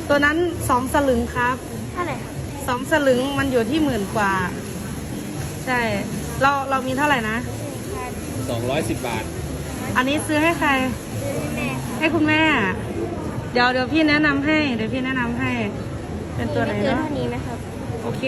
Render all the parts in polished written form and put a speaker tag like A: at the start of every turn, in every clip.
A: ตัวนั้น2 สลึงครับ
B: เท่าไหร่ครับ
A: 2 สลึงมันอยู่ที่10,000 กว่าใช่เรามีเท่าไหร่นะ
C: 210 บาท
A: อันนี้ซื้อให้ใคร
B: ซื้อให้แม่ครับ
A: ให้คุณแม่เดี๋ยวพี่แนะนำให้เป็นตัวไหน
B: เกิน
A: เนาะ
B: เท่านี้ไหมครับ
A: โอเค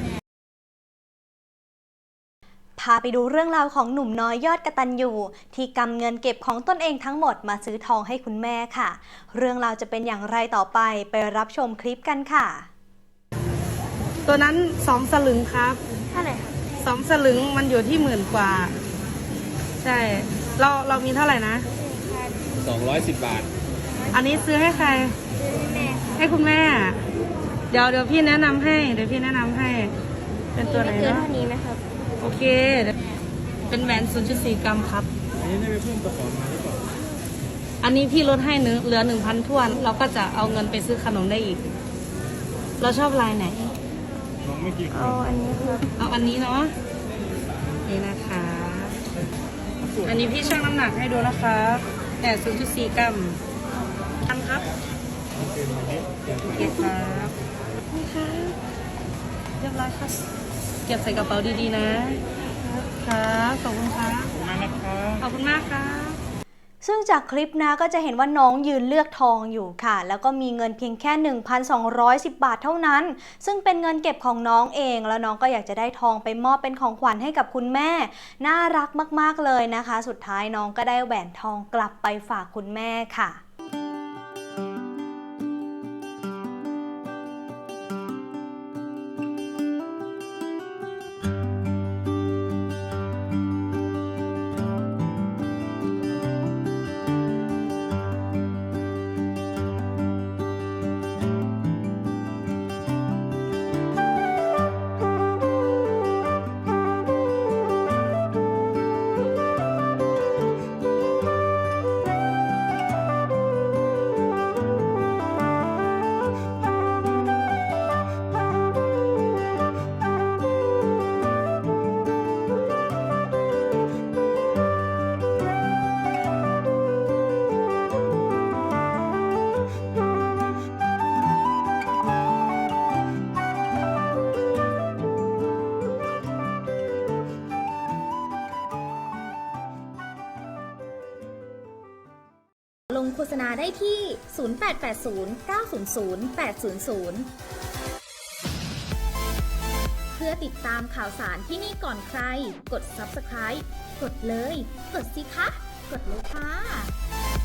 D: พาไปดูเรื่องราวของหนุ่มน้อยยอดกตัญญูที่กำเงินเก็บของตนเองทั้งหมดมาซื้อทองให้คุณแม่ค่ะเรื่องราวจะเป็นอย่างไรต่อไปรับชมคลิปกันค่ะ
A: ตัวนั้น2 สลึงครับ
B: เท่าไหร่ครับ
A: 2 สลึงมันอยู่ที่10,000 กว่าใช่เรามีเท่าไหร่นะ
C: 210 บาท
A: อันนี้ซื้อให้ใคร
B: ซื้อให้แม่ครับ
A: ให้คุณแม่เดี๋ยวพี่แนะนำให้เป็นตัวไหน
B: เกิน
A: เนาะ
B: เท่านี้ไหมครับ
A: โอเคเป็นแหวน 0.4 กรัมครับ
C: อันนี้ได้ไปเพิ่มกระป๋องมาหรือเปล่า
A: อันนี้พี่ลดให้เหลือ 1,000 ถ้วนเราก็จะเอาเงินไปซื้อขนมได้อีกเราชอบลายไหน
C: น้องไม่กี่คน
B: เอาอันนี้ครับ
A: เอาอันนี้เนาะนี่นะคะอันนี้พี่ชั่งน้ำหนักให้ดูนะคะแต่ 0.4 กรัมทันครับโอเคครับนี่ค่ะเรียบร้อยครับเก็บใส่กระเป๋าดีๆนะครับขอบคุณครับขอบคุณมากครับ
D: ซึ่งจากคลิปนะก็จะเห็นว่าน้องยืนเลือกทองอยู่ค่ะแล้วก็มีเงินเพียงแค่ 1,210 บาทเท่านั้นซึ่งเป็นเงินเก็บของน้องเองแล้วน้องก็อยากจะได้ทองไปมอบเป็นของขวัญให้กับคุณแม่น่ารักมากๆเลยนะคะสุดท้ายน้องก็ได้แหวนทองกลับไปฝากคุณแม่ค่ะ
E: ลงโฆษณาได้ที่ 0880900800 เพื่อติดตามข่าวสารที่นี่ก่อนใคร กด Subscribe กดเลย กดสิคะ กดเลยค่ะ